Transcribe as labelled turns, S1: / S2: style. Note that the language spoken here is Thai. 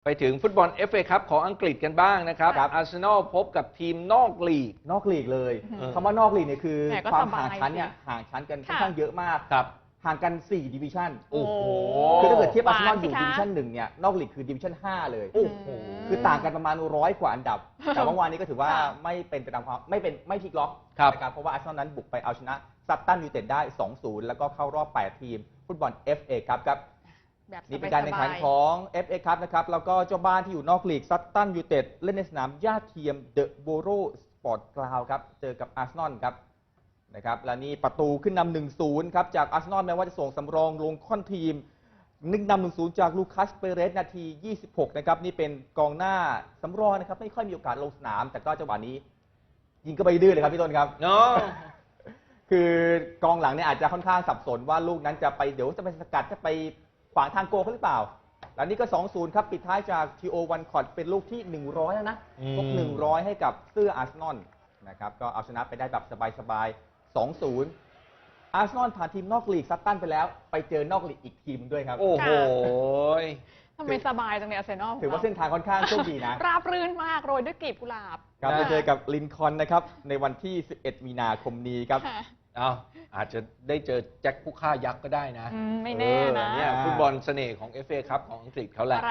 S1: ไปถึงฟุตบอล FA คัพของอังกฤษกันบ้างนะครับอาร์เซนอลพบกับทีมนอกลีก
S2: เลยคำว่านอกลีกเนี่ยคือความห่างชั้นเนี่ยห่างชั้นกันค่อนข้างเยอะมากห่างกัน4ดิวิชั่น
S1: โอ้โห
S2: คือถ้าเกิดเทียบอาร์เซนอลอยู่ดิวิชั่น1เนี่ยนอกลีกคือดิวิชั่น5เลยโอ้โหคือต่างกันประมาณ100กว่าอันดับแต่เมื่อวานนี้ก็ถือว่าไม่เป็นไปตามความไม่พลิกล็อกนะครับเพราะว่าอาร์เซนอลนั้นบุกไปเอาชนะซัตตันยูไนเต็ดได้ 2-0 แล้วก็เข้ารอบ8ทีมฟุตบอล FA ครับนี่เป็นการแข่งขันของ FA ครับนะครับแล้วก็เจ้าบ้านที่อยู่นอกลีกซัตตันยูไนเต็ดเล่นในสนามหญ้าเทียมเดอะโบโรสปอร์ตกราวด์ครับเจอกับอาร์เซนอลครับนะครับและนี่ประตูขึ้นนำ 1-0 ครับจากอาร์เซนอลแม้ว่าจะส่งสำรองลงค่อนทีมนำ 1-0 จากลูคัสเปเรสนาที 26 นะครับนี่เป็นกองหน้าสำรองนะครับไม่ค่อยมีโอกาสลงสนามแต่ก็จังหวะนี้ยิงก็ไปดื้อเลยครับพี่ต้นครับ
S1: เนาะ
S2: คือกองหลังเนี่ยอาจจะค่อนข้างสับสนว่าลูกนั้นจะไปเดี๋ยวจะไปสกัดจะไปขวางทางโกเขาหรือเปล่าแล้วนี่ก็ 2-0 ครับปิดท้ายจากทีโอวันคอร์ดเป็นลูกที่100แล้วนะครบ100ให้กับเสื้ออาร์เซนอลนะครับก็เอาชนะไปได้แบบสบายๆ 2-0 อาร์เซนอลผ่านทีมนอกลีกซัตตันไปแล้วไปเจอนอกลีกอีกทีมด้วยครับ
S1: โอ้โห
S3: ทำไมสบายจังเลยอาร์เซนอล
S2: ถือว่าเส้นทางค่อนข้างโชคดีนะ
S3: ราบรื่นมากโรยด้วยกลีบกุหลาบ
S2: ครับจะเจอกับลินคอล์นนะครับในวันที่11มีนาคมนี้ครับ
S1: อาจจะได้เจอแจ็คผู้ฆ่ายักษ์ก็ได้นะ
S3: ไม่แน่นะ
S1: เนี่ยฟุตบอลเสน่ห์ของ FA คัพของอังกฤษเขาแหละ